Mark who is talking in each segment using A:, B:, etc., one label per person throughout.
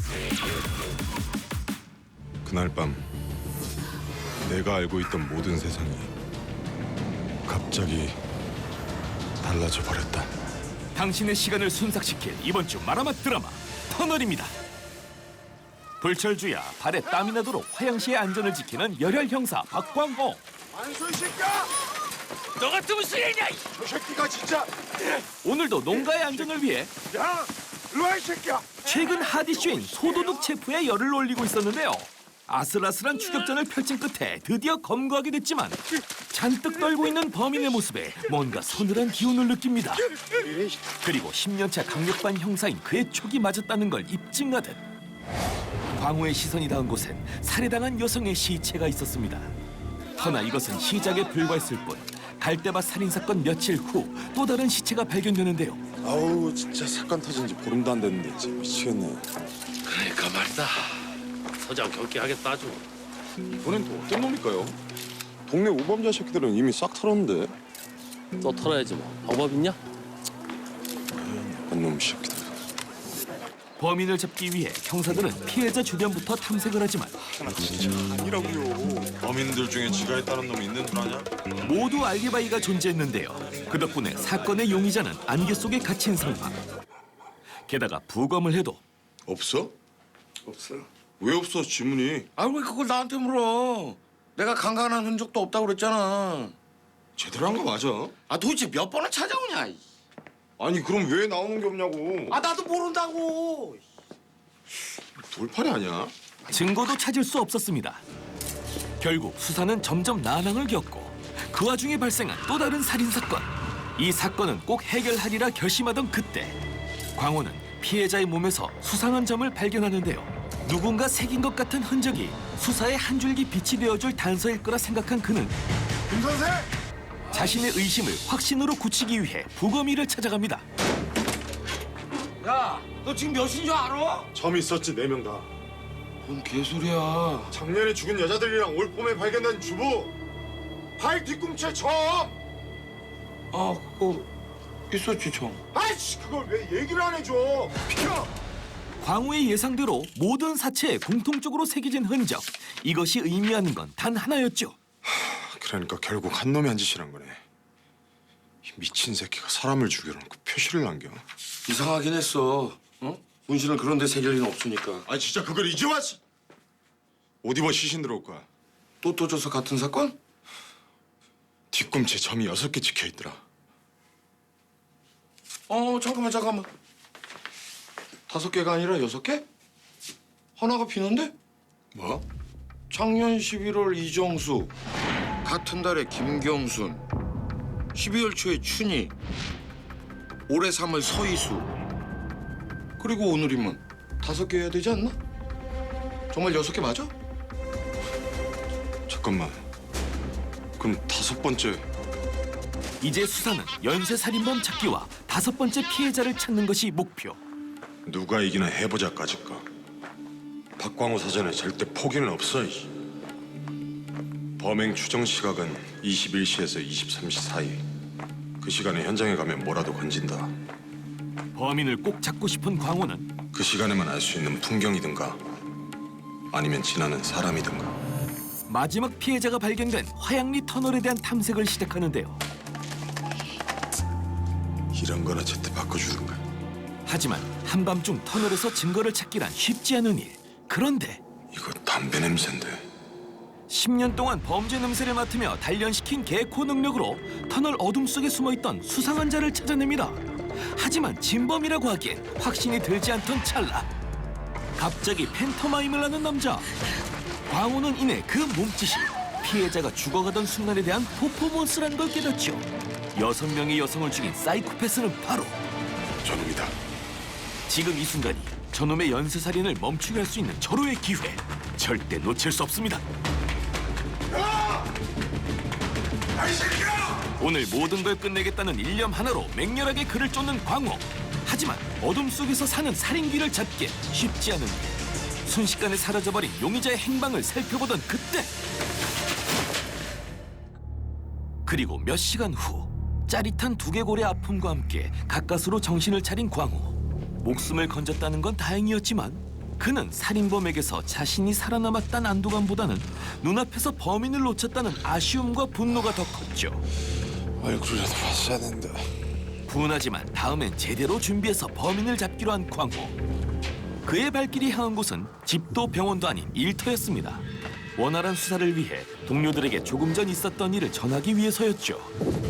A: 그날 밤 내가 알고 있던 모든 세상이 갑자기 달라져 버렸다.
B: 당신의 시간을 순삭시킬 이번 주 마라맛 드라마 터널입니다. 불철주야 발에 땀이 나도록 화양시의 안전을 지키는 열혈 형사 박광호.
C: 안소희 새끼야!
B: 너 같으면 쓰레냐!
C: 저 새끼가 진짜!
B: 오늘도 농가의 안전을 위해
C: 야! 일로와 이 새끼야!
B: 최근 핫이슈인 소도둑 체포에 열을 올리고 있었는데요. 아슬아슬한 추격전을 펼친 끝에 드디어 검거하게 됐지만 잔뜩 떨고 있는 범인의 모습에 뭔가 서늘한 기운을 느낍니다. 그리고 10년차 강력반 형사인 그의 촉이 맞았다는 걸 입증하듯 광호의 시선이 닿은 곳엔 살해당한 여성의 시체가 있었습니다. 허나 이것은 시작에 불과했을 뿐 갈대밭 살인사건 며칠 후 또 다른 시체가 발견되는데요.
A: 아우 진짜 사건 터진 지 보름도 안 됐는데 진짜 미치겠네.
D: 그러니까 말이다. 서장 경기하겠다 아주.
A: 이번엔 또 어떤 놈일까요? 동네 우범자 새끼들은 이미 싹 털었는데.
D: 또 털어야지 뭐. 방법 있냐?
A: 나쁜 놈 새끼들.
B: 범인을 잡기 위해 형사들은 피해자 주변부터 탐색을 하지만
A: 아니라고요. 범인들 중에 지가 했다는 놈이 있는 줄 아냐?
B: 모두 알리바이가 존재했는데요. 그 덕분에 사건의 용의자는 안개 속에 갇힌 상황. 게다가 부검을 해도
A: 없어? 없어. 왜 없어 지문이?
E: 아 왜 그걸 나한테 물어? 내가 강간한 흔적도 없다고 그랬잖아.
A: 제대로 한 거 맞아?
E: 아 도대체 몇 번을 찾아오냐?
A: 아니 그럼 왜 나오는 게 없냐고.
E: 아 나도 모른다고.
A: 돌팔이 아니야?
B: 증거도 찾을 수 없었습니다. 결국 수사는 점점 난항을 겪고 그 와중에 발생한 또 다른 살인사건. 이 사건은 꼭 해결하리라 결심하던 그때 광호는 피해자의 몸에서 수상한 점을 발견하는데요. 누군가 새긴 것 같은 흔적이 수사의 한 줄기 빛이 되어줄 단서일 거라 생각한 그는
C: 김 선생!
B: 자신의 의심을 확신으로 굳히기 위해 부검이를 찾아갑니다.
E: 야, 너 지금 몇인 줄 알아?
A: 점 있었지 4명 다.
E: 뭔 개소리야?
A: 작년에 죽은 여자들이랑 올 봄에 발견된 주부. 발 뒤꿈치에 점.
E: 아 그거 있었지 청.
A: 아이씨 그걸 왜 얘기를 안 해줘? 비켜.
B: 광호의 예상대로 모든 사체에 공통적으로 새겨진 흔적. 이것이 의미하는 건 단 하나였죠.
A: 그러니까 결국 한 놈이 한 짓이란 거네. 이 미친 새끼가 사람을 죽여놓고 표시를 남겨.
E: 이상하긴 했어. 어? 문신을 그런데 새길 리는 없으니까.
A: 아 진짜 그걸 이제 왔어? 옷 입어 시신 들어올 거야.
E: 또 떠져서 같은 사건?
A: 뒤꿈치에 점이 6개 찍혀있더라.
E: 잠깐만. 5개가 아니라 6개? 하나가 비는데?
A: 뭐?
E: 작년 11월 이정수, 같은 달에 김경순, 12월 초에 춘희, 올해 3월 서희수, 그리고 오늘이면 5개 해야 되지 않나? 정말 6개 맞아?
A: 잠깐만. 그럼 5번째.
B: 이제 수사는 연쇄살인범 찾기와 5번째 피해자를 찾는 것이 목표.
A: 누가 이기나 해보자까짓 거. 박광호 사전에 절대 포기는 없어. 범행 추정 시각은 21시에서 23시 사이. 그 시간에 현장에 가면 뭐라도 건진다.
B: 범인을 꼭 잡고 싶은 광호는
A: 그 시간에만 알 수 있는 풍경이든가 아니면 지나는 사람이든가.
B: 마지막 피해자가 발견된 화양리 터널에 대한 탐색을 시작하는데요.
A: 이런 거나 제때 바꿔주든가.
B: 하지만 한밤중 터널에서 증거를 찾기란 쉽지 않은 일. 그런데
A: 이거 담배 냄새인데.
B: 10년 동안 범죄 냄새를 맡으며 단련시킨 개코 능력으로 터널 어둠 속에 숨어있던 수상한 자를 찾아냅니다. 하지만 진범이라고 하기엔 확신이 들지 않던 찰나 갑자기 팬터마임을 하는 남자. 광호는 이내 그 몸짓이 피해자가 죽어가던 순간에 대한 퍼포먼스라는 걸 깨닫죠. 6명의 여성을 죽인 사이코패스는 바로
A: 저놈이다.
B: 지금 이 순간이 저놈의 연쇄살인을 멈추게 할 수 있는 절호의 기회. 절대 놓칠 수 없습니다. 오늘 모든 걸 끝내겠다는 일념 하나로 맹렬하게 그를 쫓는 광호. 하지만 어둠 속에서 사는 살인귀를 잡기 쉽지 않은 일. 순식간에 사라져버린 용의자의 행방을 살펴보던 그때 그리고 몇 시간 후 짜릿한 두개골의 아픔과 함께 가까스로 정신을 차린 광호. 목숨을 건졌다는 건 다행이었지만 그는 살인범에게서 자신이 살아남았다는 안도감보다는 눈앞에서 범인을 놓쳤다는 아쉬움과 분노가 더 컸죠.
A: 얼굴이라도 봤어야 된다.
B: 분하지만 다음엔 제대로 준비해서 범인을 잡기로 한 광호. 그의 발길이 향한 곳은 집도 병원도 아닌 일터였습니다. 원활한 수사를 위해 동료들에게 조금 전 있었던 일을 전하기 위해서였죠.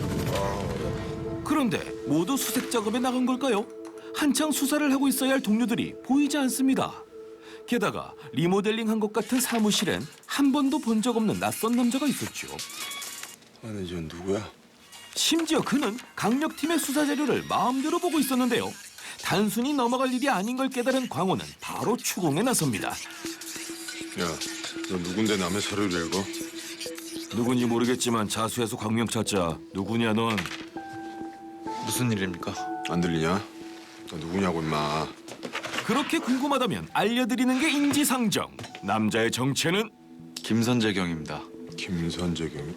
B: 그런데 모두 수색 작업에 나간 걸까요? 한창 수사를 하고 있어야 할 동료들이 보이지 않습니다. 게다가 리모델링한 것 같은 사무실엔 한 번도 본 적 없는 낯선 남자가 있었죠.
A: 아니, 전 누구야?
B: 심지어 그는 강력팀의 수사 자료를 마음대로 보고 있었는데요. 단순히 넘어갈 일이 아닌 걸 깨달은 광호는 바로 추궁에 나섭니다.
A: 야, 너 누군데 남의 서류를 읽어?
B: 누군지 모르겠지만 자수해서 광명 찾자. 누구냐 넌?
F: 무슨 일입니까?
A: 안 들리냐? 너 누구냐고 임마.
B: 그렇게 궁금하다면 알려드리는 게 인지상정. 남자의 정체는
F: 김선재경입니다.
A: 김선재경이?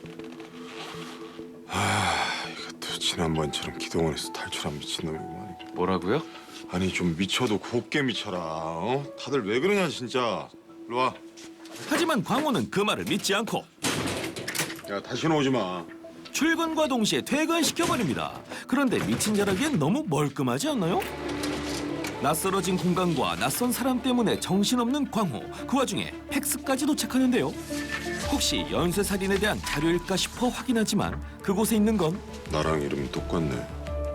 A: 이것도 지난번처럼 기동원에서 탈출한 미친놈이구만.
F: 뭐라고요?
A: 아니 좀 미쳐도 곱게 미쳐라. 어? 다들 왜 그러냐 진짜. 일로 와.
B: 하지만 광호는 그 말을 믿지 않고
A: 야 다시는 오지 마.
B: 출근과 동시에 퇴근시켜버립니다. 그런데 미친 자라기엔 너무 멀끔하지 않나요? 낯설어진 공간과 낯선 사람 때문에 정신없는 광호. 그 와중에 팩스까지 도착하는데요. 혹시 연쇄살인에 대한 자료일까 싶어 확인하지만 그곳에 있는 건
A: 나랑 이름이 똑같네.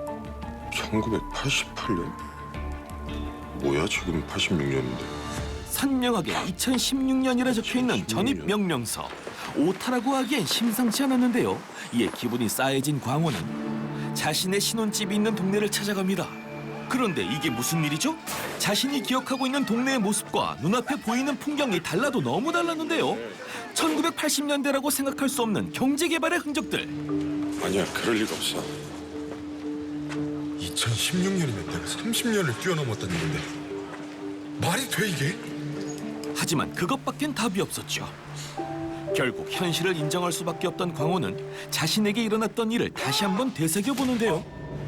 A: 1988년? 뭐야 지금 86년인데.
B: 선명하게 2016년이라 적혀있는 전입 명령서. 오타라고 하기엔 심상치 않았는데요. 이에 기분이 싸해진 광호는 자신의 신혼집이 있는 동네를 찾아갑니다. 그런데 이게 무슨 일이죠? 자신이 기억하고 있는 동네의 모습과 눈앞에 보이는 풍경이 달라도 너무 달랐는데요. 1980년대라고 생각할 수 없는 경제개발의 흔적들.
A: 아니야 그럴 리가 없어. 2016년이면 내가 30년을 뛰어넘었던 일인데 말이 돼 이게?
B: 하지만 그것밖엔 답이 없었죠. 결국 현실을 인정할 수밖에 없던 광호는 자신에게 일어났던 일을 다시 한번 되새겨보는데요.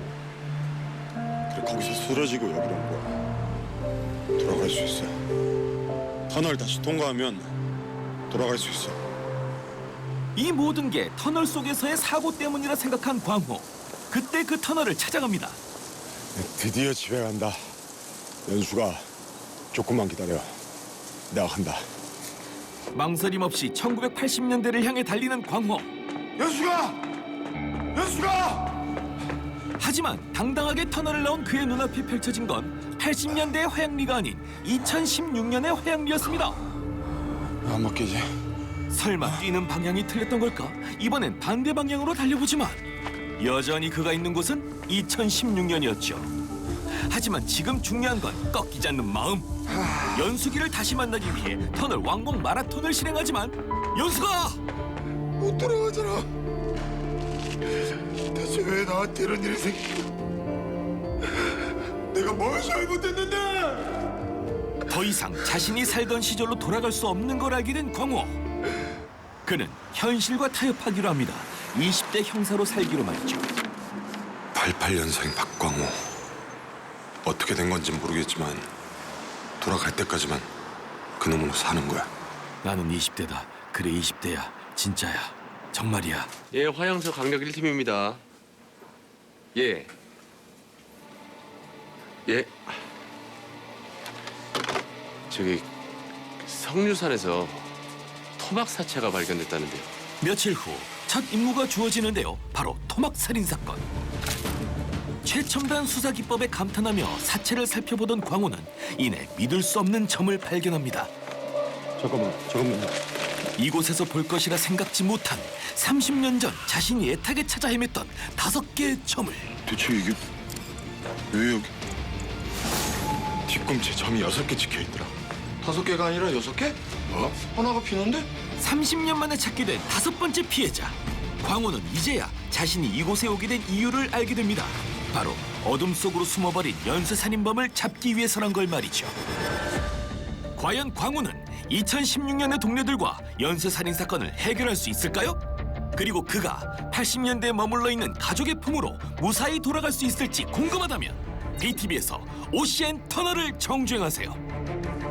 A: 그래 거기서 쓰러지고 여기로 온 거야. 돌아갈 수 있어. 터널 다시 통과하면 돌아갈 수 있어.
B: 이 모든 게 터널 속에서의 사고 때문이라 생각한 광호. 그때 그 터널을 찾아갑니다.
A: 드디어 집에 간다. 연수가 조금만 기다려. 내가 간다.
B: 망설임 없이 1980년대를 향해 달리는 광호.
C: 연수가! 연수가!
B: 하지만 당당하게 터널을 나온 그의 눈앞에 펼쳐진 건 80년대의 화양리가 아닌 2016년의 화양리였습니다.
A: 안 먹기지?
B: 설마 뛰는 방향이 틀렸던 걸까? 이번엔 반대 방향으로 달려보지만 여전히 그가 있는 곳은 2016년이었죠. 하지만 지금 중요한 건 꺾이지 않는 마음. 연수기를 다시 만나기 위해 터널 왕복 마라톤을 실행하지만 연수가!
C: 못 돌아가잖아. 대체 왜 나한테 이런 일이 생기고? 내가 뭘 잘못했는데?
B: 더 이상 자신이 살던 시절로 돌아갈 수 없는 걸 알게 된 광호. 그는 현실과 타협하기로 합니다. 20대 형사로 살기로 말이죠.
A: 88년생 박광호. 어떻게 된 건지 모르겠지만 돌아갈 때까지만 그놈으로 사는 거야.
B: 나는 20대다. 그래 20대야. 진짜야. 정말이야.
D: 예, 화양서 강력 1팀입니다. 예. 예. 저기 성류산에서 토막 사체가 발견됐다는데요.
B: 며칠 후 첫 임무가 주어지는데요. 바로 토막 살인 사건. 최첨단 수사 기법에 감탄하며 사체를 살펴보던 광호는 이내 믿을 수 없는 점을 발견합니다.
A: 잠깐만.
B: 이곳에서 볼 것이라 생각지 못한 30년 전 자신이 애타게 찾아 헤맸던 5개의 점을.
A: 대체 이게 왜 여기? 뒤꿈치에 점이 6개 찍혀 있더라.
E: 5개가 아니라 6개?
A: 뭐?
E: 하나가 비는데?
B: 30년 만에 찾게 된 5번째 피해자. 광호는 이제야 자신이 이곳에 오게 된 이유를 알게 됩니다. 바로 어둠 속으로 숨어버린 연쇄살인범을 잡기 위해서란 걸 말이죠. 과연 광호는 2016년의 동료들과 연쇄살인 사건을 해결할 수 있을까요? 그리고 그가 80년대에 머물러 있는 가족의 품으로 무사히 돌아갈 수 있을지 궁금하다면 BTV에서 오시엔 터널을 정주행하세요.